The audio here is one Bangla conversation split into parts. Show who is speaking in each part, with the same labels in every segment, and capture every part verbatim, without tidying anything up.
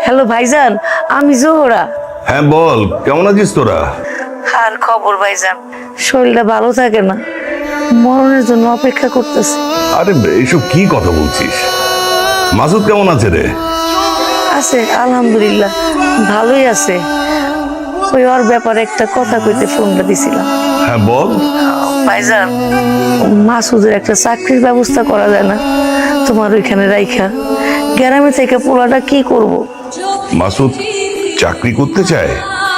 Speaker 1: হ্যালো ভাইজান, আমি জোহরা।
Speaker 2: হ্যাঁ বল, কেমন আছিস তোরা?
Speaker 1: আর খবর ভাইজান, শরীরটা ভালো থাকে না, মরণের জন্য অপেক্ষা করতেছে।
Speaker 2: আরে এইসব কি কথা বলছিস? মাসুদ কেমন আছে রে?
Speaker 1: আছে আলহামদুলিল্লাহ, ভালোই আছে। ওই ওর ব্যাপারে একটা কথা কইতে ফোনটা দিছিলাম।
Speaker 2: হ্যাঁ বল।
Speaker 1: ভাইজান, মাসুদের একটা চাকরির ব্যবস্থা করা যায় না তোমার ওইখানে রাইখা? গ্রামে থেকে পোলাটা কি করব?
Speaker 2: মাসুদ চাকরি করতে চায়?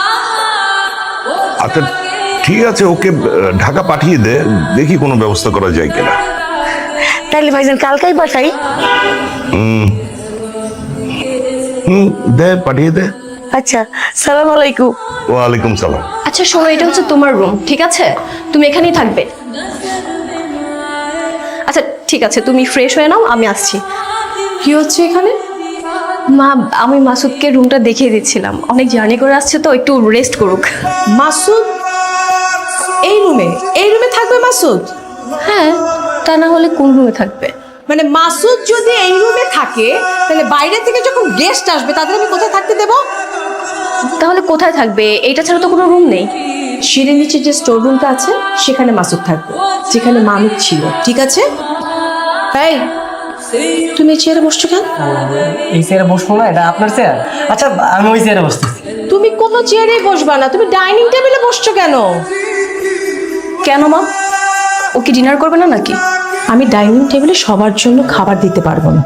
Speaker 2: আচ্ছা ঠিক আছে, ওকে ঢাকা পাঠিয়ে দে, দেখি কোনো ব্যবস্থা করা যায় কিনা।
Speaker 1: তাইলে ভাইজান কালকেই পাঠাই?
Speaker 2: হুম হুম দে, পাঠিয়ে দে।
Speaker 1: আচ্ছা, সালাম আলাইকুম।
Speaker 2: ওয়ালাইকুম সালাম।
Speaker 3: আচ্ছা শোনো, এটা হচ্ছে তোমার রুম, ঠিক আছে? তুমি এখানেই থাকবে। আচ্ছা ঠিক আছে, তুমি ফ্রেশ হয়ে নাও, আমি আসছি। কি হচ্ছে এখানে? মা, আমি মাসুদকে রুমটা দেখিয়ে দিচ্ছিলাম, অনেক জার্নি করে আসছে তো, একটু রেস্ট করুক।
Speaker 4: মাসুদ এই রুমে এই রুমে থাকবে মাসুদ?
Speaker 3: হ্যাঁ, তা না হলে কোন রুমে থাকবে?
Speaker 4: মানে মাসুদ যদি এই রুমে থাকে, তাহলে বাইরে থেকে যখন গেস্ট আসবে তাদের আমি কোথায় থাকতে দেব?
Speaker 3: তাহলে কোথায় থাকবে? এইটা ছাড়া তো কোনো রুম নেই।
Speaker 4: সিঁড়ির নিচে যে স্টোর রুমটা আছে সেখানে মাসুদ থাকবে, যেখানে মামুদ ছিল, ঠিক আছে? এই তুমি চেয়ারে বসছো কেন?
Speaker 5: এই চেয়ারে বসবো না, এটা আপনার চেয়ার। আচ্ছা আমি ওই চেয়ারে বসতেছি।
Speaker 4: তুমি কোনো চেয়ারেই বসবা না, তুমি ডাইনিং টেবিলে বসছো কেন?
Speaker 3: কেন মা, ও কি ডিনার করবে না নাকি?
Speaker 4: আমি ডাইনিং টেবিলে সবার জন্য খাবার দিতে পারবো না।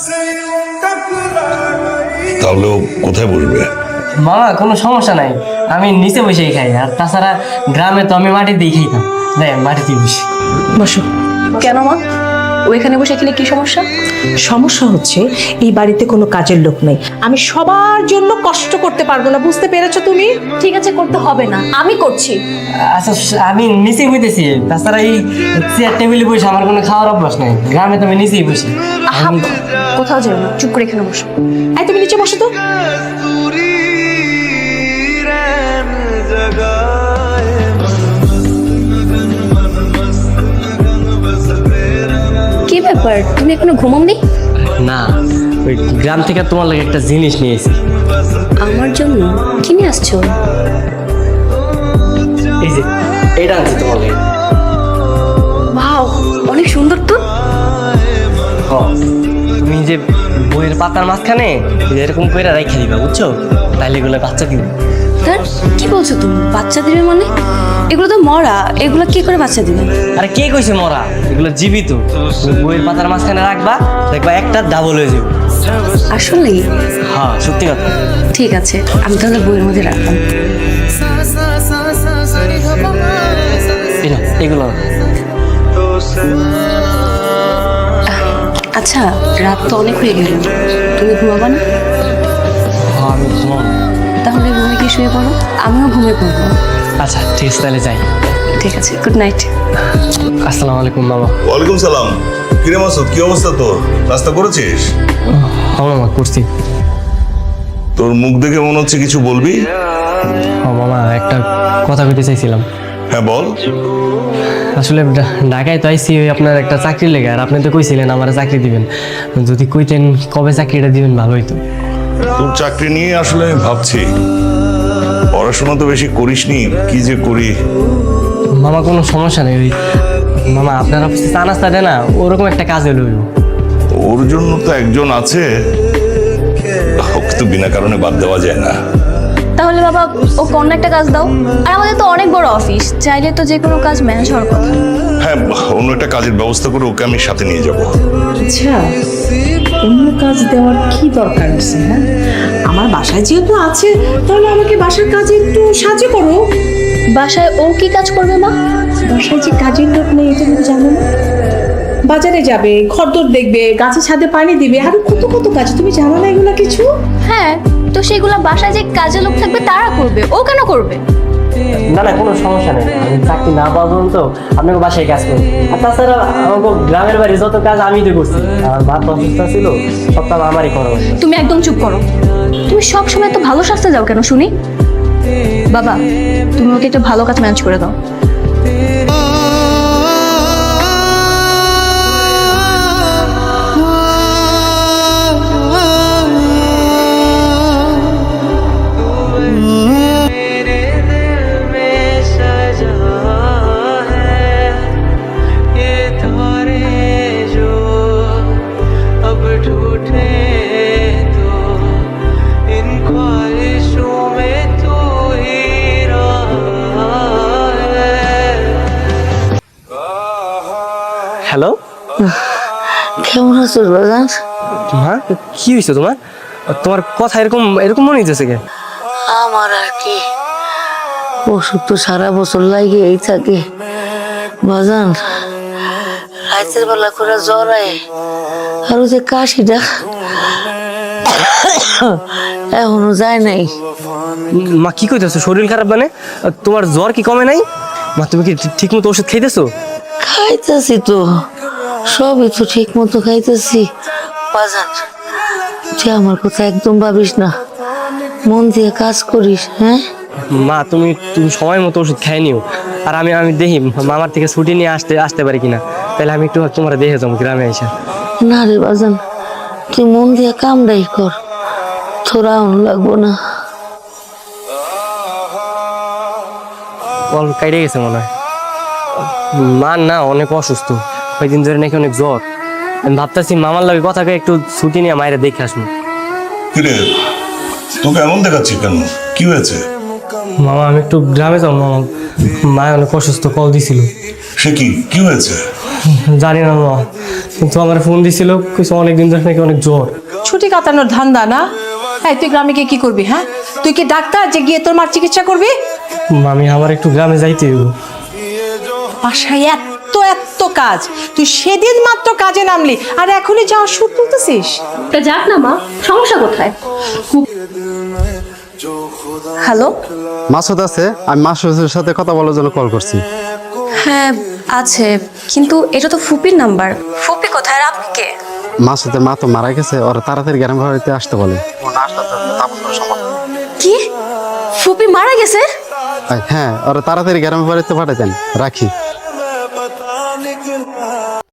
Speaker 2: তাহলে ও কোথায় বসবে?
Speaker 5: মামা কোনো সমস্যা নাই, আমি নিচে বসেই খাই। আর তাছাড়া গ্রামে তো আমি মাটি দিয়ে খাইতাম, তাই আমি মাটিতেই বসি।
Speaker 4: বসো।
Speaker 3: কেন মা, ও এখানে বসে খেলে কি সমস্যা?
Speaker 4: সমস্যা হচ্ছে এই বাড়িতে কোনো কাজের লোক নেই, আমি সবার জন্য কষ্ট করতে পারবো না, বুঝতে পেরেছো তুমি?
Speaker 3: ঠিক আছে, করতে হবে না, আমি করছি।
Speaker 5: আচ্ছা আমি নিচেই বইতেছি, তাছাড়া এই চেয়ার টেবিলে বসে আমার কোনো খাওয়ার অভ্যাস নাই, গ্রামে তো আমি নিচেই বসি।
Speaker 3: আহা, কোথাও যাবে না, চুপ করে এখানে বসো।
Speaker 4: এই তুমি নিচে বসো তো।
Speaker 3: কি ব্যাপার, তুমি এখনো ঘুমাওনি?
Speaker 5: না, ওই গ্রাম থেকে তোমার লাগে একটা জিনিস নিয়েছি।
Speaker 3: আমার জন্য কি নিয়ে আসছো?
Speaker 5: এই যে এটা আনছি তোমার লাগে।
Speaker 3: ওয়াও, অনেক সুন্দর তো।
Speaker 5: হ, তুমি যে বইয়ের পাতার মাঝখানে এরকম করে রেখে দিবা, বুঝছো? তাইলে এগুলো বাচ্চা দিবে।
Speaker 3: তার কি বলছো তুমি? বাচ্চা দিবে মানে? এগুলো তো মরা, এগুলো কি করে বাচ্চা দিবে?
Speaker 5: আরে কে কইছে মরা? এগুলো জীবিত। তুমি বইয়ের পাতার মাঝখানে রাখবা, দেখবা একটা ডাবল হয়ে যাবে।
Speaker 3: আসলে?
Speaker 5: হ্যাঁ সত্যি কথা।
Speaker 3: ঠিক আছে, আমি তাহলে বইয়ের মধ্যে রাখলাম।
Speaker 5: এই নাও, এগুলো।
Speaker 3: আচ্ছা, রাত তো অনেক হয়ে গেল, তুমি ঘুমাবা না?
Speaker 5: হ্যাঁ আমি ঘুমাবো।
Speaker 3: তাহলে রুমে কি শুয়ে পড়ো, আমিও ঘুমিয়ে পড়বো।
Speaker 5: আচ্ছা ঠিক আছে, তাহলে যাই।
Speaker 3: ঠিক আছে, গুড নাইট।
Speaker 5: আসসালামু আলাইকুম মামা।
Speaker 2: ওয়ালাইকুম সালাম। কিরে মাসুদ, কি অবস্থা তোর? নাস্তা করেছিস?
Speaker 5: হ্যাঁ মামা করছি।
Speaker 2: তোর মুখ দেখে মনে হচ্ছে কিছু বলবি।
Speaker 5: হ্যাঁ মামা, একটা কথা কইতে চাইছিলাম।
Speaker 2: হ্যাঁ বল।
Speaker 5: আসলে ঢা- ঢাকায় তো আইসি ওই আপনার একটা চাকরি লেগে, আর আপনি তো কইছিলেন আমার চাকরি দিবেন। যদি কইতেন কবে চাকরিটা দিবেন ভালো হইতো।
Speaker 2: তোর চাকরি নিয়ে আসলে আমি ভাবছি, পড়াশোনা তো বেশি করিসনি, কি যে করি।
Speaker 5: মামা কোনো সমস্যা নেই, ওই মামা আপনার অফিসে চা নাস্তা দেয় না, ওরকম একটা কাজে লইব।
Speaker 2: ওর জন্য তো একজন আছে, ওকে তো বিনা কারণে বাদ দেওয়া যায় না।
Speaker 3: তাহলে বাবা, ও কোন একটা কাজ দাও। আর আমাদের তো অনেক বড় অফিস, চাইলে তো যে কোনো কাজ ম্যানেজ হওয়ার কথা।
Speaker 2: হ্যাঁ, অন্য একটা কাজের ব্যবস্থা করে ওকে আমি সাথে নিয়ে যাব।
Speaker 4: আচ্ছা, অন্য কাজ দেওয়ার কি দরকার আছে? হ্যাঁ, আমার বাসায় যেহেতু আছে, তাহলে আমাকে বাসার কাজে একটু সাহায্য করো।
Speaker 3: বাসায় ও কি কাজ করবে মা?
Speaker 4: বাসায় যে কাজের লোক নেই এটা তুমি জানো না? বাজারে যাবে, খড়দর দেখবে, গাছে ছাদে পানি দিবে, আরো কত কত কাজ, তুমি জানো না এগুলো কিছু?
Speaker 3: হ্যাঁ, তো সেগুলো বাসায় যে কাজে লোক থাকবে তারা করবে, ও কেন করবে?
Speaker 5: না না কোনো সমস্যা নেই, আমি চাকরি না পাওয়া পর্যন্ত আপনাকে বাসায় কাজ করি। আর তাছাড়া আমাকে গ্রামের বাড়ি যত কাজ আমি তো করছি, আমার মা তো অসুস্থ ছিল, সব কাজ আমারই করা হয়েছে।
Speaker 3: তুমি একদম চুপ করো। তুমি সব সময় তো ভালো শাস্তে যাও কেন শুনি? বাবা, তুমি ওকে একটা ভালো কাজ ম্যানেজ করে দাও।
Speaker 1: আছো বাজান?
Speaker 5: মা কি হয়েছে তোমার? তোমার কথা এরকম এরকম মনে হইতেছে কে?
Speaker 1: আমার আর কি, অসুখ তো সারা বছর লাগেই থাকে বাজান। রাতের বেলা করে জ্বর আয়, আর ওই যে কাশিটা এখনো যায় নাই।
Speaker 5: মা কি কইতেছো? শরীর খারাপ মানে? তোমার জ্বর কি কমে নাই? মা তুমি কি ঠিক মতো ওষুধ খাইতেছো?
Speaker 1: খাইতেছি তো, সবই তো ঠিক মতো খাইতেছি বাজান। তুই আমার কথা একদম ভাবিস না, মন দিয়ে কাজ করিস। হ্যাঁ
Speaker 5: মা তুমি তুমি সময় মতো ওষুধ খাই নিও। আর আমি আমি দেখি মামার থেকে ছুটি নিয়ে আসতে আসতে পারি কিনা, তাহলে আমি একটু তোমার দেখে যাবো গ্রামে এসে।
Speaker 1: না রে বাজান, তুই মন দিয়ে কামড়াই কর, তোরা লাগবো না।
Speaker 5: কল কাইটে গেছে মনে হয়। মা না অনেক অসুস্থ, কয়েকদিন ধরে নাকি অনেক জ্বর। আমি ভাবতেছি মামার লাগে কথা কয়ে একটু ছুটি নিয়ে মায়েরা দেখে আসবো।
Speaker 2: কিরে, তোকে এমন দেখাচ্ছি কেন? কি হয়েছে?
Speaker 5: মামা আমি একটু গ্রামে যাবো মামা, মায় অনেক অসুস্থ, কল দিছিল।
Speaker 2: সে কি কি হয়েছে?
Speaker 5: জানি না মামা, কিন্তু আমার ফোন দিছিল, কিছু অনেকদিন ধরে নাকি অনেক জ্বর।
Speaker 4: ছুটি কাটানোর ধান্দা না? এই তুই গ্রামে গিয়ে কি করবি? হ্যাঁ, তুই কি ডাক্তার যে গিয়ে তোর মার চিকিৎসা করবি?
Speaker 5: মামি আমার একটু গ্রামে যাইতে হইব।
Speaker 4: বাসায় এত এত কাজ, তুই সেদিন মাত্র কাজে নামলি আর এখনই যাওয়ার সুর তুলতেছিস?
Speaker 3: তা যাক না মা, সমস্যা কোথায়? হ্যালো,
Speaker 6: মাসুদ আছে? আমি মাসুদের সাথে কথা বলার জন্য কল করছি।
Speaker 3: হ্যাঁ আছে, কিন্তু এটা তো ফুপির নাম্বার। ফুপি কোথায় আর আপনি কে?
Speaker 6: মাসুদের মা তো মারা গেছে, ওরা তাড়াতাড়ি গ্রাম বাড়িতে আসতে বলে।
Speaker 3: কি, ফুপি মারা গেছে?
Speaker 6: হ্যাঁ, ওরা তাড়াতাড়ি গ্রামের বাড়িতে পাঠাতেন। রাখি।